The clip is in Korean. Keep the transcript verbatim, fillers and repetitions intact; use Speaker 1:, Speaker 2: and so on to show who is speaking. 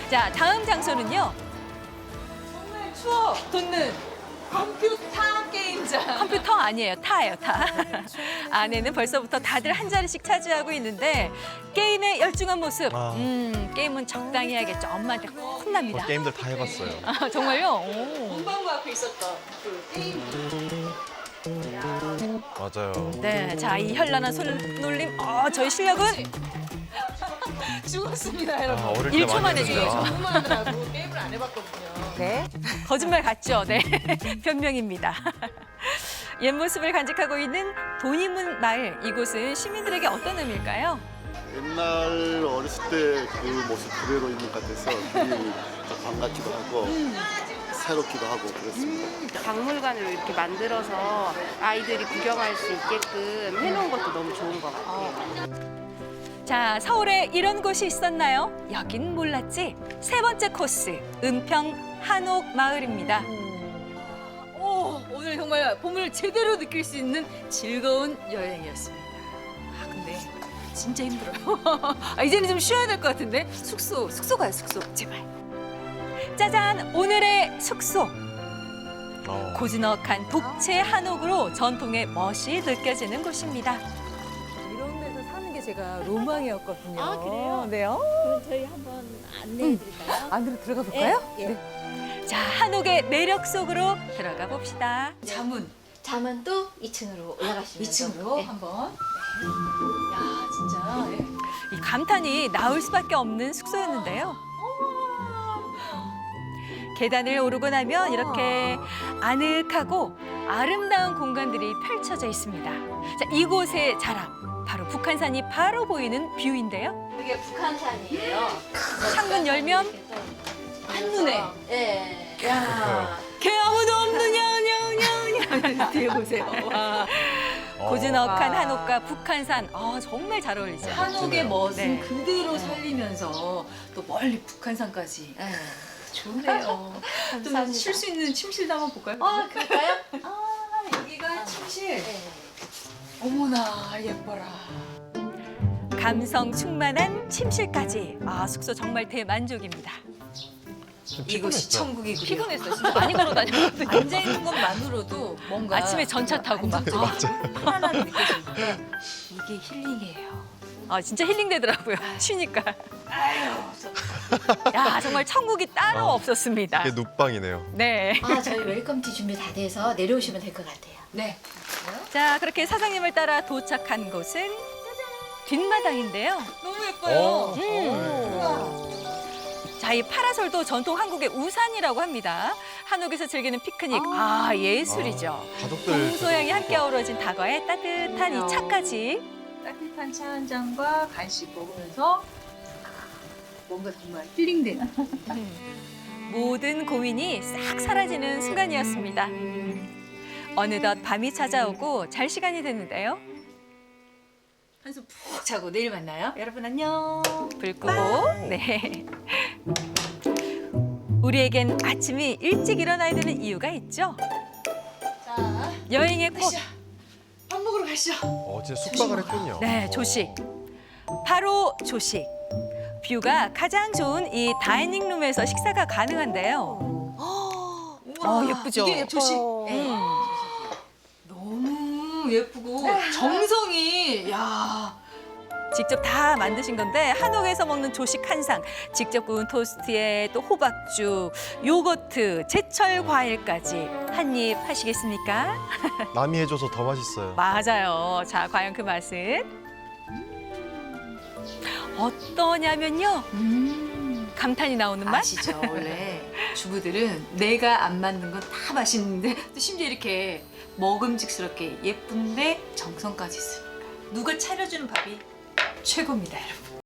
Speaker 1: 자, 다음 장소는요. 정말 추억 돋는 컴퓨터 게임장. 컴퓨터 아니에요. 타예요, 타. 안에는 벌써부터 다들 한 자리씩 차지하고 있는데 게임에 열중한 모습.
Speaker 2: 아.
Speaker 1: 음, 게임은 적당히 해야겠죠. 엄마한테 혼납니다.
Speaker 2: 저 게임들 다 해봤어요.
Speaker 1: 아, 정말요? 오.
Speaker 3: 문방구 앞에 있었던 그 게임.
Speaker 2: 맞아요.
Speaker 1: 네, 자, 이 현란한 손놀림. 어, 저희 실력은
Speaker 3: 죽었습니다, 여러분.
Speaker 2: 아, 어릴 때
Speaker 1: 일 초
Speaker 2: 많이
Speaker 1: 만에
Speaker 2: 했는데.
Speaker 1: 죽어요.
Speaker 2: 아,
Speaker 3: 너무 하느라고 게임을 안 해봤거든요.
Speaker 1: 네. 거짓말 같죠? 네. 변명입니다. 옛 모습을 간직하고 있는 돈이문 마을. 이곳은 시민들에게 어떤 의미일까요?
Speaker 4: 옛날 어렸을 때 그 모습 그대로 있는 것 같아서 굉장히 반갑기도 하고 새롭기도 하고 그렇습니다.
Speaker 5: 박물관을 이렇게 만들어서 아이들이 구경할 수 있게끔 해놓은 것도 너무 좋은 것 같아요.
Speaker 1: 자, 서울에 이런 곳이 있었나요? 여긴 몰랐지? 세 번째 코스, 은평 한옥 마을입니다.
Speaker 3: 오, 오늘 정말 봄을 제대로 느낄 수 있는 즐거운 여행이었습니다. 아, 근데 진짜 힘들어요. 아, 이제는 좀 쉬어야 될 것 같은데? 숙소, 숙소 가요, 숙소. 제발.
Speaker 1: 짜잔, 오늘의 숙소.
Speaker 2: 어.
Speaker 1: 고즈넉한 독채 한옥으로 전통의 멋이 느껴지는 곳입니다.
Speaker 3: 이런 데서 사는 게 제가 로망이었거든요.
Speaker 6: 아, 그래요?
Speaker 3: 네요.
Speaker 6: 그럼 저희 한번 안내해 드릴까요?
Speaker 3: 안으로 들어가 볼까요?
Speaker 6: 예, 예.
Speaker 1: 자, 한옥의 매력 속으로 들어가 봅시다.
Speaker 3: 자문
Speaker 6: 자문 또 이 층으로 올라가시면
Speaker 3: 이 층으로 한번. 야, 진짜. 예.
Speaker 1: 이 감탄이 나올 수밖에 없는 숙소였는데요. 계단을 오르고 나면 이렇게 아늑하고 아름다운 공간들이 펼쳐져 있습니다. 자, 이곳의 자랑, 바로 북한산이 바로 보이는 뷰인데요.
Speaker 6: 이게 북한산이에요.
Speaker 1: 창문 열면
Speaker 3: 한눈에.
Speaker 6: 예.
Speaker 3: 야, 개 아무도 없느냐, 냐냐냐. 뒤에 보세요. 와.
Speaker 2: 어.
Speaker 1: 고즈넉한
Speaker 3: 와.
Speaker 1: 한옥과 북한산, 아, 정말 잘 어울리죠.
Speaker 3: 한옥의
Speaker 2: 멋지네요.
Speaker 3: 멋은
Speaker 1: 네.
Speaker 3: 그대로 살리면서 또 멀리 북한산까지.
Speaker 6: 예.
Speaker 3: 좋네요. 좀
Speaker 6: 감사합니다.
Speaker 3: 쉴 수 있는 침실도 한번 볼까요?
Speaker 6: 아, 그럴까요?
Speaker 3: 아, 여기가 침실.
Speaker 6: 예.
Speaker 3: 어머나, 예뻐라.
Speaker 1: 감성 충만한 침실까지. 아, 숙소 정말 대만족입니다.
Speaker 2: 좀
Speaker 3: 이곳이
Speaker 2: 피곤했죠?
Speaker 3: 천국이군요.
Speaker 1: 피곤했어요. 진짜 많이 걸어 다녔거든요.
Speaker 3: 앉아있는 것만으로도 뭔가
Speaker 1: 아침에 전차 타고 막.
Speaker 3: 편안함이 느껴지는데 이게 힐링이에요.
Speaker 1: 아, 진짜 힐링되더라고요. 쉬니까.
Speaker 3: 아유,
Speaker 1: 야, 정말 천국이 따로
Speaker 2: 어.
Speaker 1: 없었습니다.
Speaker 2: 이게 눕방이네요.
Speaker 1: 네.
Speaker 6: 아, 저희 웰컴티 준비 다 돼서 내려오시면 될 것 같아요.
Speaker 3: 네.
Speaker 1: 자, 그렇게 사장님을 따라 도착한 곳은 뒷마당인데요.
Speaker 3: 너무
Speaker 2: 어.
Speaker 3: 예뻐요.
Speaker 1: 음. 자, 이 파라솔도 전통 한국의 우산이라고 합니다. 한옥에서 즐기는 피크닉. 아, 예술이죠.
Speaker 2: 아, 가족들
Speaker 1: 동소양이 함께 어우러진 다과에 따뜻한 이 차까지.
Speaker 3: 따뜻한 차 한 잔과 간식 먹으면서 뭔가 정말 힐링되는.
Speaker 1: 모든 고민이 싹 사라지는 순간이었습니다. 어느덧 밤이 찾아오고 잘 시간이 됐는데요.
Speaker 3: 한숨 푹 자고 내일 만나요. 여러분 안녕.
Speaker 1: 불 끄고, 네. 우리에겐 아침이 일찍 일어나야 되는 이유가 있죠.
Speaker 3: 자,
Speaker 1: 여행의 꽃,
Speaker 3: 가시죠. 밥 먹으러 가시죠.
Speaker 2: 어, 진짜 숙박을 했군요.
Speaker 1: 네, 조식. 바로 조식. 뷰가 가장 좋은 이 다이닝룸에서 식사가 가능한데요.
Speaker 3: 우와,
Speaker 1: 어, 예쁘죠?
Speaker 3: 이게 조식.
Speaker 1: 음.
Speaker 3: 너무 예쁘고 정성이 야.
Speaker 1: 직접 다 만드신 건데 한옥에서 먹는 조식 한 상, 직접 구운 토스트에 또 호박죽, 요거트, 제철 과일까지 한 입 하시겠습니까?
Speaker 2: 남이 해줘서 더 맛있어요.
Speaker 1: 맞아요. 자, 과연 그 맛은 어떠냐면요. 음, 감탄이 나오는 맛?
Speaker 3: 아시죠? 원래 주부들은 내가 안 만든 건 다 맛있는데 또 심지어 이렇게 먹음직스럽게 예쁜데 정성까지 있으니까 누가 차려주는 밥이 최고입니다, 여러분.